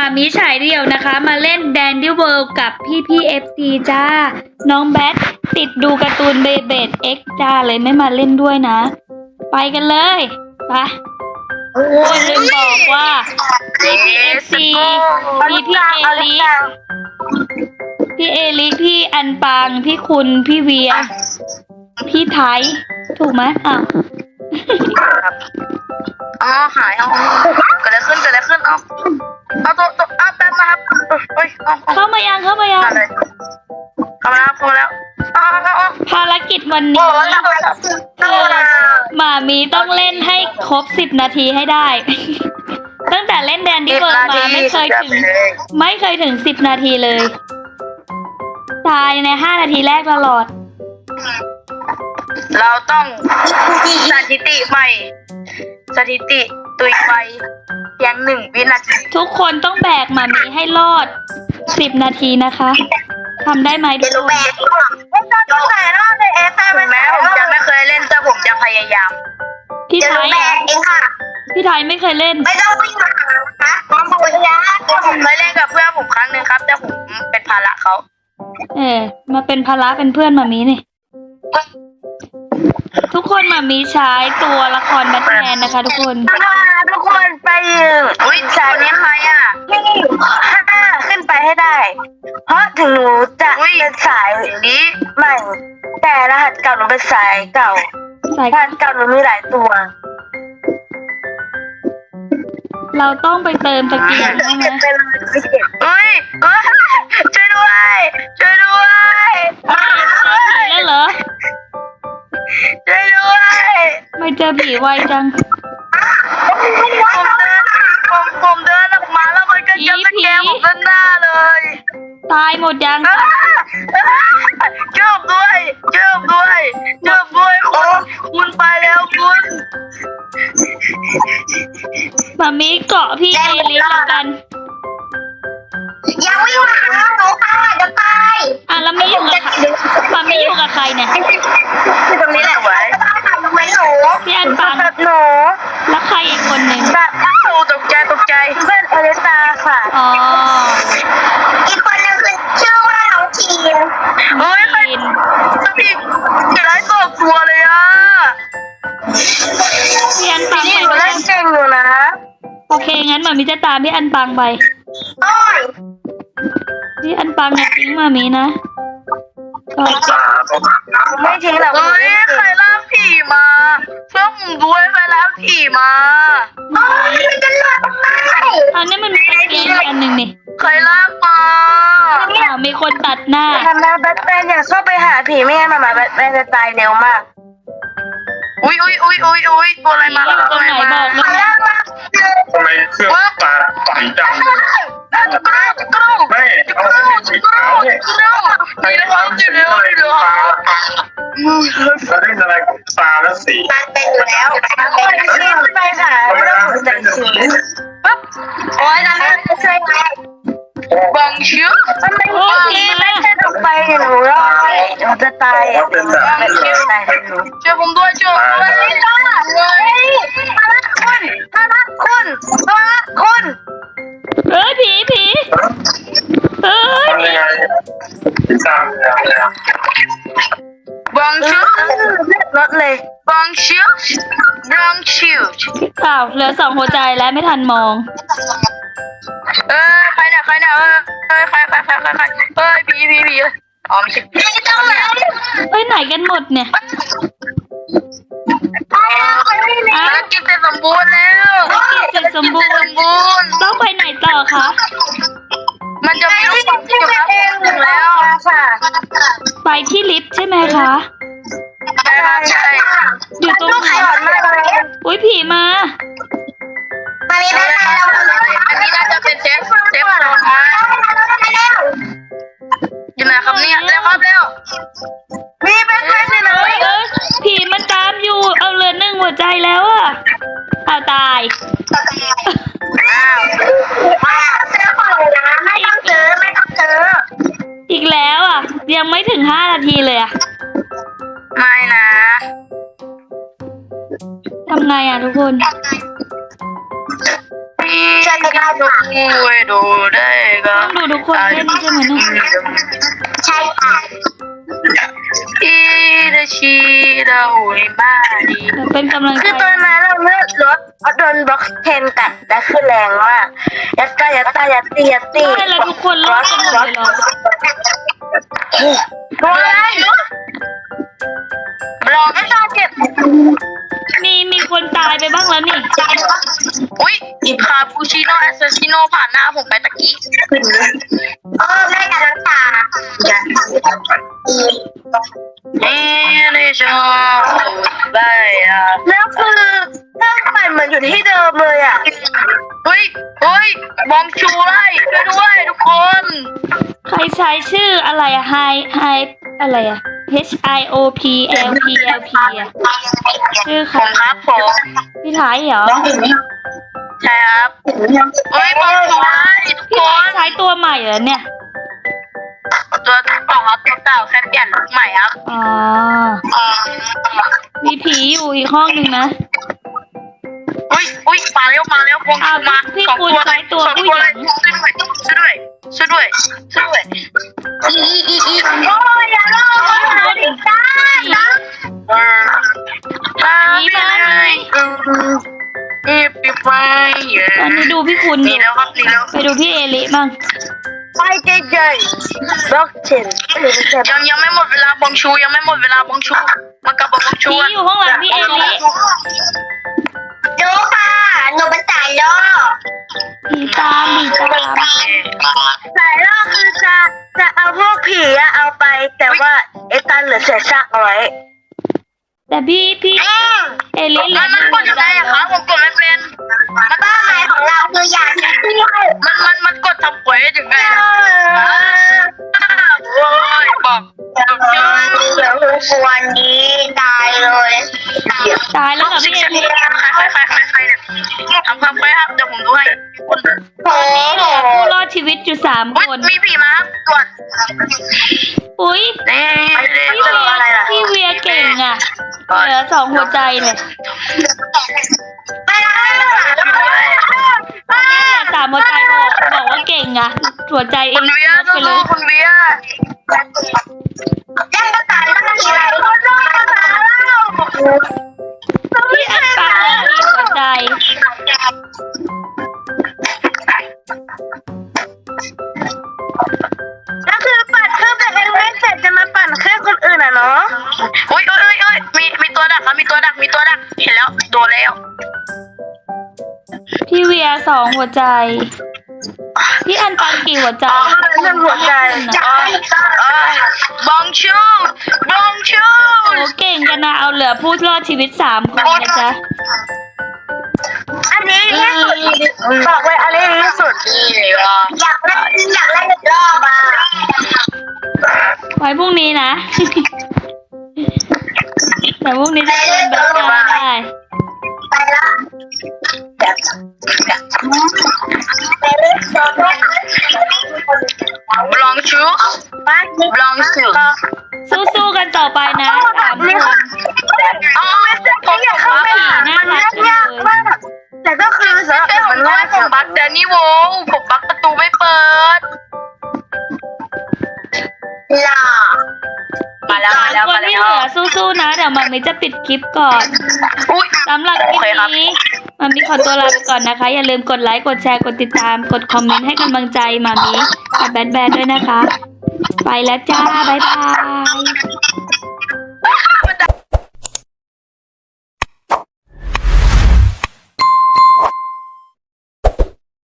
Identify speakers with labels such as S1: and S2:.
S1: มามีฉายเดี่ยวนะคะ มาเล่นแดนดี้เวิลด์กับพี่FC จ้า น้องแบทติดดูการ์ตูนเบเบดเอ็กจ้าเลยไม่มาเล่นด้วยนะ ไปกันเลยไปลืมบอกว่าพี่ FC มีพี่เอลิพี่อันปังพี่คุณพี่เวียพี่ไทยถูกไหมอ้าว
S2: หายเกิดอะไรขึ้นเอาตัวแป๊บนะครับเฮ้ย
S1: เข้ามายัง
S2: เข้ามาแล้ว
S1: ภารกิจวันนี้หมามีต้องเล่นให้ครบ10 นาทีให้ได้ ตั้งแต่เล่นแดนดี้เวิลด์มาไม่เคยถึง10 นาทีเลยตายใน5 นาทีแรกตลอด
S2: เราต้องสถิติใหม่สถิติตุยไปเพียง1 วินาที
S1: ทุกคนต้องแบกหมามีให้รอด10 นาทีนะคะทำได้ไหมทุกคน
S2: ไม่ต้องไหนรอดเลยถึงแม้ผมจะไม่เคยเล่นแต่ผมจะพยายาม
S1: พี่ไทยพี่ไทยไม่เคยเล่น
S2: ไม่ต้องวิ่งมาผมเคยเล่นกับเพื่อนผมครั้งหนึ่งครับแต่ผมเป็นภาระเขา
S1: มาเป็นภาระเป็นเพื่อนหมามีนี่ทุกคนหมามีใช้ตัวละครแบทแมนนะคะทุกคน
S2: ไปวิ่งสายนี้ใครอ่ะไม่5ขึ้นไปให้ได้เพราะถึงหนูจะเป็นสายนี้ใหม่แต่รหัสเก่าหนูเป็นสายเก่ารหัสเก่าหนูมีหลายตัว
S1: เราต้องไปเติมตะเกียงใช่ไหม
S2: ช่วยด้วย
S1: แล้วเหรอ
S2: ช่วยด้วย
S1: ไม่เจอผีไวจัง
S2: ผมเดินออกมาแล้วมันก็จับตะแกรงผมด้านหน้าเลย
S1: ตายหมดยัง
S2: ช่วยด้วยคุณไปแล้วคุณ
S1: มามีเกาะพี่เอลิสแล้วกัน
S2: ยังไม่มาหนูค่ะจะตาย
S1: แล้วไม่อยู่กับมามีอยู่กับใครเนี่ย
S2: ตรงนี้แหละไว้
S1: พี่อันปัง
S2: หนู
S1: แล้วใครอีกคนหนึ่ง
S2: ตกใจเพื่อนอลิซาค่ะอีกคนนึงคือชื่อว่าน้องทีนพี่ไร้ตัวเลยอ่ะ
S1: พี่อันปัง
S2: ไปเล่นเก่งอยู่นะ
S1: โอเคงั้นมามีจะตามพี่อันปังไปพี่อันปังอย่าทิ้งมามีนะ
S2: ไม่ทิ้งหรอกใครล่าผีมาเพื่อนผมด้วยใครล่าผีมามันจะหลุด
S1: อันนี้มันมีตะเกียงอันหนึ่งนี่
S2: ใครลากมา
S1: มีคนตัดหน้า
S2: มาแบทแมนอย่าเข้าไปหาผีไม่งั้นมาแบทแมนจะตายเร็วมากอุ้ยตัวอะไรมา
S1: ตัวไหนบอกเลย
S3: ทำไมเครื่องตาใสจังไม่เอาสีขาวเนี่ยใครทำสีอะไรตาจะเล่นอะไรกับตาและสี
S2: มันเป็นอยู่แล้วไปค่ะไม่ต้องสนใจสีปั๊บโอ้ยนั่นไม่ใช่ไหมบังชื่อมันไม่ใช่ตกไปหนูรอดหนูจะตายช่วยผมด้วยลิซ่ามาละคุณ
S1: ผี
S3: ทำยังไงพี่ตามเลย
S2: บังชื่อรถเลยบังชื่อ
S1: เหลือ2 หัวใจแล้วไม่ทันมอง
S2: ใครเนี่ยใครผีอ๋อไม่ใช่
S1: ไปไหนกันหมดเนี่ย
S2: กินเสร็จสมบูรณ์แล้ว
S1: ต้องไปไหนต่อคะ
S2: มันจะมีลูกบอลที่อยู่ข้างแล้วค่ะ
S1: ไปที่ลิฟต์ใช่ไหมคะ
S2: ใช่
S1: อยู่ตรงไหนอุ้ยผีมา
S2: อันนี้น่าจะเป็นเซฟโซนอยู่ไหนครับเนี่ยเร็วมีเป็นเลย
S1: ผีมันตามอยู่เอาเหลือ1 หัวใจแล้วอ่ะเอาตาย
S2: ไม่ต้องเจอ
S1: อีกแล้วอ่ะยังไม่ถึง5 นาทีเลยอ่ะ
S2: ไม่นะ
S1: ทำไงอ่ะทุกคน
S2: ใช่ไหม
S3: ช่วยดูได้ก็
S1: ต้องดูทุกคนเล่นใช่ไหมเนี่ย
S2: ใช่ค่ะ
S3: อีเดชีดาอุยมาดี
S1: เดี๋ยวเป็นกำลังใจ
S2: คือตอนนั้นเราเลือดรถเพราะโดนบล็อกเทนกัดและคือแรงมากยัดตายัดตายัดตียัดตี
S1: ใช่แล้วทุกคนรอดกันหมดเลยเหรอ
S2: โดนอะไรบล็อกไม่ตาเจ็บ
S1: มีคนตายไปบ้างแล้วนี่
S3: อุ้ยคาปูชิโน่แอสซาซิโน่ผ่านหน้าผมไปตะกี้
S2: แม่กับน้ำตา
S3: นี่ชอบได้อ่ะ
S2: แล้วคือเครื่องปั่นเหมือนอยู่ที่เดิมเลยอ่ะ
S3: เฮ้ยบองชูไล่ช่วยด้วยทุกคน
S1: ใครใช้ชื่ออะไรอะไฮอะไรอะ HIOPLPLP อะชื่อใค
S3: ผ
S1: ร
S3: มครับผม
S1: พี่ไทยเหรอ
S3: ใช่ครับเฮ้ยบองชูไล่ทุก
S1: พี่
S3: ค
S1: ไทย
S3: น
S1: ใช้ตัวใหม่เหรอเนี่ย
S3: ตัวเก่าครับตัวเก่าแค่เปลี่ยนลุคใหม่ครับ
S1: อ๋อ มีผีอยู่อีกห้องหนึ่งนะ
S3: อุ้ยมาเร็วบองชูมา
S1: พี่
S3: สอง
S1: คุณ
S3: ตัว
S1: ใช้ตัว
S3: สอง
S1: ผู้
S3: ตัว
S1: ห
S3: เล
S1: ญิ
S3: ย
S1: ง
S3: ช่วยด้วย
S2: โอ้ยอย่าลอกดิจ้า
S1: ผีมาไหม
S3: ปิดไฟ
S1: ตอนนี้ดูพี่คุณ
S3: ห
S1: อ
S3: นี
S1: ยู่
S3: แล้วครับหนีแล้ว
S1: ไปดูพี่เอลิบ้าง
S2: ไปเจยบล็อกเทนหรือไม่ใช่
S3: ยังไม่หมดเวลาบองชูยังไม่หมดเวลาบองชูมากลับบองชู
S1: ผีอยู่ข้างหลังพี่เอลิ
S2: ดูค่ะหนูเป็นสายล่อ
S1: ผีตาม
S2: สายล่อคือจะเอาพวกผีอะเอาไป แต่ว่าไอ้ตันเหลือเศษซากเอาไว้
S1: แต่พี่เอลิเหลือ
S3: มันกด
S1: หั
S3: ยั
S1: ว
S3: ง
S1: ใจ
S3: ไงอะ
S1: แล้
S3: คะ
S1: ว
S3: ผมกดไม่เป็นมัน
S2: เป้าหมายของเราคืออยากเที่ยว
S3: มันกดทำเควสยังไงโอ้ยบอก
S2: เดี๋ยววันนี้ตายเลย
S1: ตายแล้วเหรอพี่เอลิ
S3: ใครเนี่ยทำความเควสครับเดี๋ยวผมดูให้คน
S2: โอ้โห
S1: ผู้รอดชีวิตอยู่3 คน
S3: มีผีมาครับตรวจ
S1: อุ้ย
S3: นี่
S1: พี่เวียเก่งอ่ะเหลือ2 หัวใจเลย
S2: ไม่ได้
S1: ตอนนี้เหลือ3 หัวใจบอกว่าเก่งอ่ะหัวใจเอ
S3: คุณ
S1: ง
S3: เวีย
S1: ลดไปเลย
S3: คุณเวีย
S2: ยังก็ตายแล้วมันอะไรคนรอดมาแล้ว
S1: พี่อันปังเหลือกี่หัวใจ
S2: แล้วคือปั่นเครื่องตัวเองไม่เสร็จจะมาปั่นเครื่องคนอื่นอ่ะเนาะ
S3: โอ้ยมีตัวดักครับมีตัวดักเห็นแล้วโดนแล้ว
S1: พี่เวีย2 หัวใจ พี่อันปังกี่หัวใจ
S2: หนึ่งหัวใจ
S3: บองชู
S1: โอ้เก่งกันนะเอาเหลือผู้รอดชีวิต3 คนนะจ๊ะ
S2: อันนี้ที่สุดบอกเลยอันนี้ที่สุด อยากเล่นอีกรอบอ่ะ
S1: ไว้พรุ่งนี้นะ แต่พรุ่งนี้จะเป็นแบบงานได้
S2: ไปละไปเล่นโซโล่
S3: บองชูบองชู
S1: สู้ๆกันต่อไปนะ3 คน
S3: อ๋อผมอยากเข้าไป
S1: น่ารักจัง
S2: ยาก
S1: เลย
S2: มากแต่ก็คือสำหรับ
S3: ผม
S2: มัน
S3: ด้ว
S2: ง่าย ย
S3: ผมบักแดนนี่โวผมบักประตูไม่เปิด
S2: ล่ะ
S3: มาแล้ว
S1: 3 คนที่เหลือสู้ๆนะเดี๋ยวมันมีจะปิดคลิปก่อน
S3: อุ้ย
S1: สำหรับคลิปนี้มันมีขอตัวลาไปก่อนนะคะ อย่าลืมกดไลค์กดแชร์กดติดตามกดคอมเมนต์ให้กำลังใจมามีกับแบดด้วยนะคะ ไปแล้วจ้าบ๊ายบาย